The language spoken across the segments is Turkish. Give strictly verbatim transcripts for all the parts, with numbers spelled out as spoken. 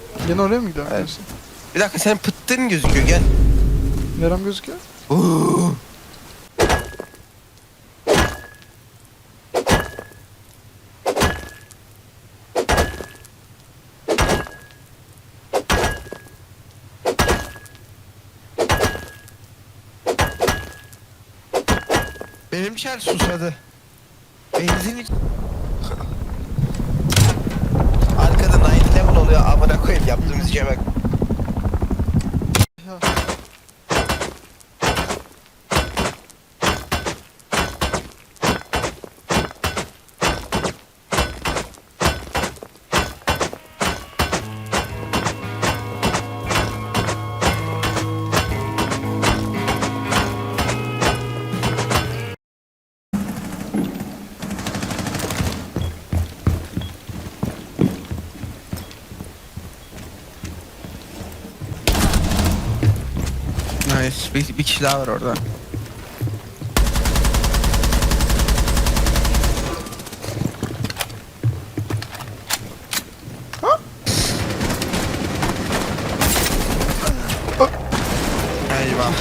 Yine oraya mı gidiyorsun? Evet. Bir dakika senin pıttın gözüküyor gel. Nerem gözüküyor? Oo. Benim şer susadı. Benzin arkada dokuz level oluyor amına koyayım yaptığımız işe bak. Ya. Nice. Bir, bir kişi daha var orada. Eyvah.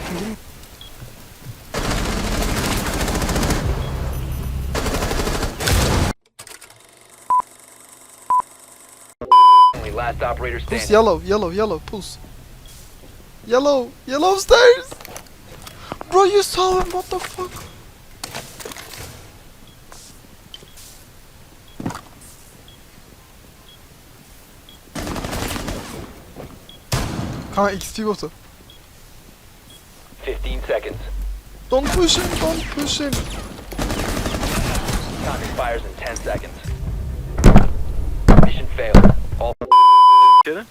Only last operator Pulse standing. yellow, yellow, yellow, pulse. Yellow, yellow stairs! Bro, you saw him, what the fuck? Kanka X P botu. fifteen seconds. Don't push him, don't push him. Time expires in ten seconds. Mission failed. All İçeri.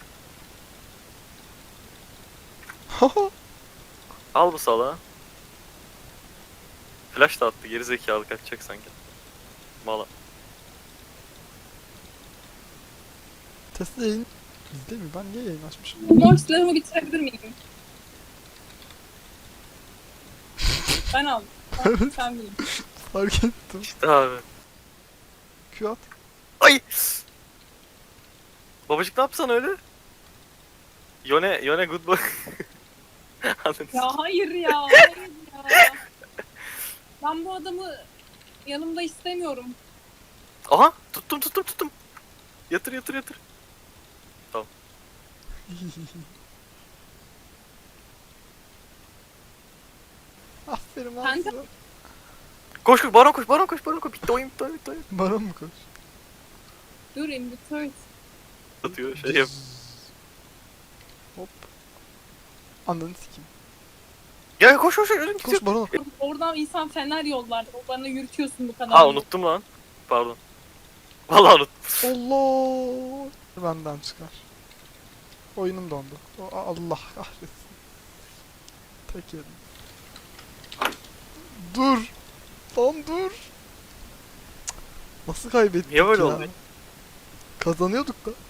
Al bu salağı. Flash da attı, geri zekalı kaçacak sanki. Mala. Tesla yayın... İzle mi? Ben niye yayın açmışım? Mor silahımı bitirebilir miyim? Ben aldım. Sen, sen bilin. Fark ettim. İşte abi. Q at. Ay! Babacık ne yapsan öyle? Yone, Yone good boy. Anladın. Ya hayır ya, hayır ya. Ben bu adamı yanımda istemiyorum. Aha! Tuttum tuttum tuttum. Yatır yatır yatır. Aferin lan Kanka- sana. Koş koş baron koş baron koş baron koş. Bitti oyun bitti oyun bitti oyun. Baron mu koş? Dur in the third. Atıyor şey yap. Hop. Ananı sikeyim. Ya koş koş koş ölüm gidiyor. Koş Baron. Oradan insan fener yollar. O bana yürütüyorsun bu kadar. Ha unuttum lan. Pardon. Vallahi unuttum. Allah. Benden çıkar. Oyunum dondu. O- Allah kahretsin. Tek yedim. Dur. Lan dur. Cık. Nasıl kaybettik Niye böyle ya? oldu? Kazanıyorduk da.